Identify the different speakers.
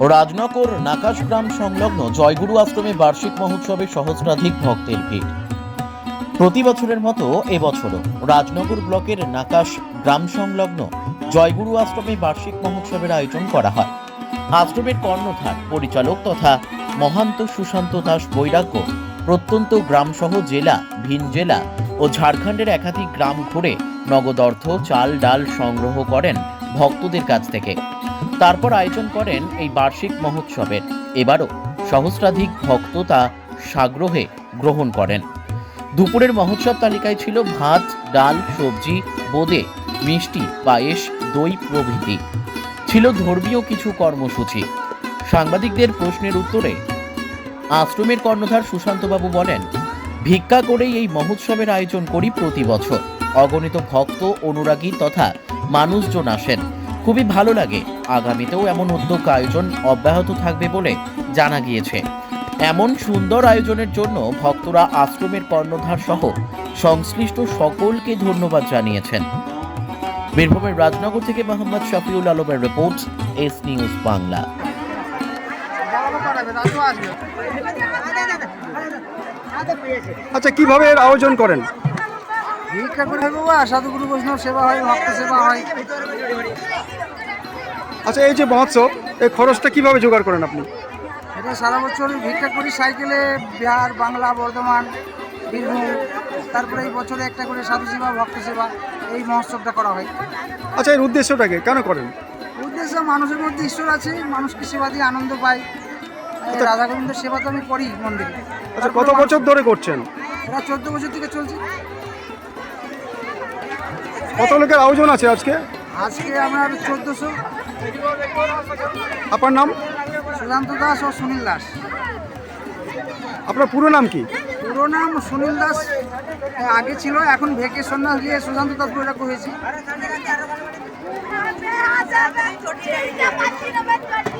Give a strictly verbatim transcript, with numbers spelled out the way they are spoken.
Speaker 1: রাজনগর নাকাশ গ্রাম সংলগ্ন জয়গুরু আশ্রমে বার্ষিক মহোৎসবে সহস্রাধিক ভক্তের ভিড়। প্রতি বছরের মতো এবছরও রাজনগর ব্লকের নাকাশ গ্রাম সংলগ্ন জয়গুরু আশ্রমে বার্ষিক মহোৎসবের আয়োজন করা হয়। আশ্রমের কর্ণধার পরিচালক তথা মহান্ত সুশান্ত দাস বৈরাগ্য প্রত্যন্ত গ্রামসহ জেলা, ভিন জেলা ও ঝাড়খণ্ডের একাধিক গ্রাম ঘুরে নগদ অর্থ, চাল ডাল সংগ্রহ করেন ভক্তদের কাছ থেকে। তারপর আয়োজন করেন এই বার্ষিক মহোৎসবের। এবারও সহস্রাধিক ভক্ত তা সাগ্রহে গ্রহণ করেন। দুপুরের মহোৎসব তালিকায় ছিল ভাত, ডাল, সবজি, বোঁদে, মিষ্টি, পায়েস, দই প্রভৃতি। ছিল ধর্মীয় কিছু কর্মসূচি। সাংবাদিকদের প্রশ্নের উত্তরে আশ্রমের কর্ণধার সুশান্তবাবু বলেন, ভিক্ষা করেই এই মহোৎসবের আয়োজন করি প্রতি বছর। অগণিত ভক্ত, অনুরাগী তথা মানুষজন আসেন, খুবই ভালো লাগে। আগামীতেও এমন উদ্যোগ আয়োজন অব্যাহত থাকবে বলে জানা গিয়েছে। এমন সুন্দর আয়োজনের জন্য ভক্তরা আশ্রমের কর্ণধার সহ সংশ্লিষ্ট সকলকে ধন্যবাদ জানিয়েছেন। বীরভূমের রাজনগর থেকে মোহাম্মদ শফিউল আলমের রিপোর্ট, এস নিউজ বাংলা।
Speaker 2: আচ্ছা, কিভাবে এর আয়োজন করেন?
Speaker 3: ভিক্ষা করে হয় বাবা, সাধুগুরু বৈষ্ণব সেবা হয়, ভক্ত সেবা হয়।
Speaker 2: আচ্ছা, এই যে মহোৎসব, এই খরচটা কিভাবে জোগাড় করেন আপনি?
Speaker 3: এটা সারা বছর ভিক্ষা করি সাইকেলে, বিহার, বাংলা, বর্ধমান, বীরভূম। তারপরে এই বছরে একটা করে সাধু সেবা, ভক্ত সেবা, এই মহোৎসবটা করা হয়।
Speaker 2: আচ্ছা, এর উদ্দেশ্যটাকে কেন করেন?
Speaker 3: উদ্দেশ্য, মানুষের মধ্যে ঈশ্বর আছে, মানুষকে সেবা দিয়ে আনন্দ পায়। রাধা গোবিন্দের সেবা তো আমি করি মন্দিরে।
Speaker 2: আচ্ছা, কত বছর ধরে করছেন?
Speaker 3: এটা চোদ্দ বছর থেকে চলছে।
Speaker 2: কত লোকের আয়োজন আছে আজকে?
Speaker 3: আজকে আমরা চোদ্দশো।
Speaker 2: আপনার নাম?
Speaker 3: সুশান্ত দাস ও সুনীল দাস।
Speaker 2: আপনার পুরো নাম কি?
Speaker 3: পুরো নাম সুনীল দাস আগে ছিল, এখন ভেকে সন্ন্যাস নিয়ে সুশান্ত দাস বৈরাগ্য হয়েছে।